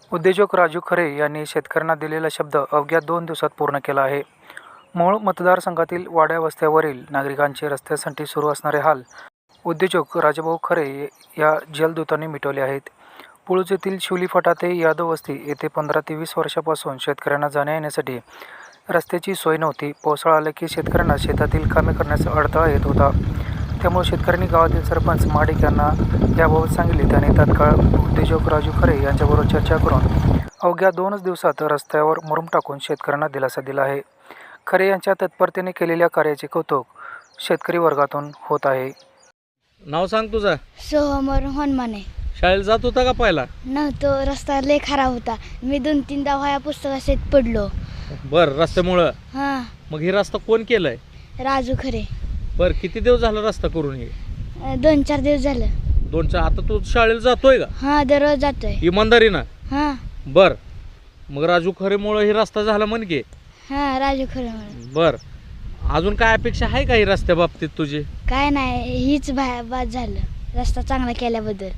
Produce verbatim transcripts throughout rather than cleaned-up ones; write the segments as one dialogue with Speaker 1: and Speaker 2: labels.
Speaker 1: उद्योजक राजू खरे यांनी शेतकऱ्यांना दिलेला शब्द अवघ्या दोन दिवसात पूर्ण केला आहे. मूळ मतदारसंघातील वाड्या वस्त्यावरील नागरिकांचे रस्त्यासाठी सुरू असणारे हाल उद्योजक राजाभाऊ खरे या जलदूतांनी मिटवले आहेत. पुळूज येथील शिवली फाटा ते यादव वस्ती येथे पंधरा ते वीस वर्षापासून शेतकऱ्यांना जाण्या येण्यासाठी रस्त्याची सोय नव्हती. पावसाळा आला की शेतकऱ्यांना शेतातील कामे करण्याचा अडथळा येत होता. त्यामुळे शेतकऱ्यांनी गावातील सरपंच महाडिक यांना याबाबत सांगितले. त्याने तात्काळ उद्योजक राजू खरे यांच्याबरोबर चर्चा करून अवघ्या दोनच दिवसात रस्त्यावर मुरुम टाकून शेतकऱ्यांना दिलासा दिला आहे. खरे यांच्या तत्परतेने केलेल्या कार्याचे कौतुक शेतकरी वर्गातून होत आहे.
Speaker 2: नाव सांग तुझं.
Speaker 3: सोहमर हनुमाने.
Speaker 2: शाळेला जात होता का पहिला?
Speaker 3: नव्हतो, रस्ता लय खराब होता. मी दोन तीनदा व्हाया पुस्तकात पडलो.
Speaker 2: बर, रस्त्यामुळं.
Speaker 3: हां.
Speaker 2: मग ही रस्ता कोण केलाय?
Speaker 3: राजू खरे.
Speaker 2: बर, किती दिवस झाला रस्ता करून? हे
Speaker 3: अं, दोन चार दिवस झालं.
Speaker 2: दोन चार. आता तू शाळेला जातोय का?
Speaker 3: हां, दररोज जातोय.
Speaker 2: इमानदारीनं?
Speaker 3: हां
Speaker 2: बर, मग राजू खरेमुळे ही रस्ता झाला म्हण की.
Speaker 3: हां, राजू खरे म्हणून.
Speaker 2: बर, अजून काय अपेक्षा आहे का ही रस्त्या बाबतीत तुझी?
Speaker 3: काय नाही, हीच भा बाद झालं रस्ता चांगला केल्याबद्दल.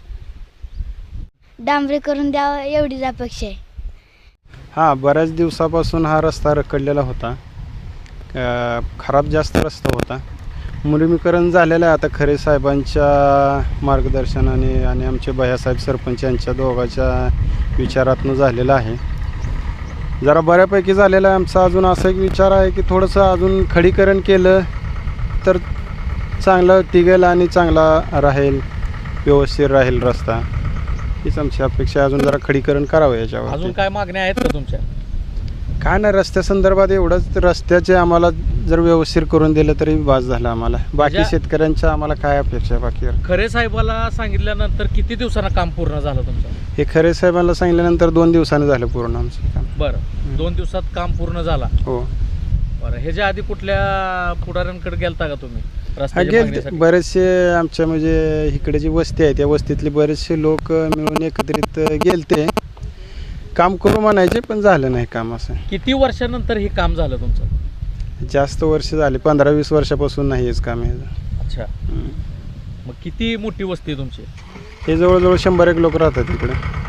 Speaker 3: डांबरी करून द्यावं एवढीच अपेक्षा आहे.
Speaker 4: हां, बऱ्याच दिवसापासून हा रस्ता रखडलेला होता. अ, खराब जास्त रस्ता होता. मुरमीकरण झालेलं आहे आता खरे साहेबांच्या मार्गदर्शनाने आणि आमचे भैयासाहेब सरपंच यांच्या दोघांच्या विचारातून झालेलं आहे. जरा बऱ्यापैकी झालेलं आहे. आमचा अजून असा एक विचार आहे की थोडंसं अजून खडीकरण केलं तर चांगलं टिकेल आणि चांगला राहील, व्यवस्थित राहील रस्ता. हीच आमची अपेक्षा. अजून जरा खडीकरण करावं याच्यावर.
Speaker 2: अजून काय मागण्या आहेत का तुमच्या?
Speaker 4: काय नाही, रस्त्यासंदर्भात एवढंच. रस्त्याचे आम्हाला जर व्यवस्थित करून दिलं तरी बास झालं आम्हाला. बाकी
Speaker 2: म्हणजे
Speaker 4: शेतकऱ्यांच्या आम्हाला काय अपेक्षा आहे बाकी?
Speaker 2: खरे साहेबाला सांगितल्यानंतर किती दिवसांना काम पूर्ण झालं तुमचं?
Speaker 4: हे खरे साहेबांना सांगितल्यानंतर दोन दिवसांनी झालं पूर्ण आमचं काम.
Speaker 2: बरं, दोन दिवसात काम पूर्ण झाला.
Speaker 4: हो.
Speaker 2: बरं, ह्याच्या आधी कुठल्या पुढाऱ्यांकडे गेलता का तुम्ही
Speaker 4: हा,
Speaker 2: रस्त्याच्या
Speaker 4: गेल
Speaker 2: मागणीसाठी?
Speaker 4: बरेचसे आमच्या म्हणजे इकडे जी वस्ती आहे त्या वस्तीतले बरेचसे लोक मिळून एकत्रित गेलते. काम करू म्हणायचे पण झालं नाही काम. असं
Speaker 2: किती वर्षानंतर हे काम झालं तुमचं?
Speaker 4: जास्त वर्ष झाले, पंधरा वीस वर्षापासून नाही हेच काम आहे.
Speaker 2: अच्छा. मग किती मोठी वस्ती आहे तुमची?
Speaker 4: हे जवळजवळ शंभर एक लोक राहतात इकडे.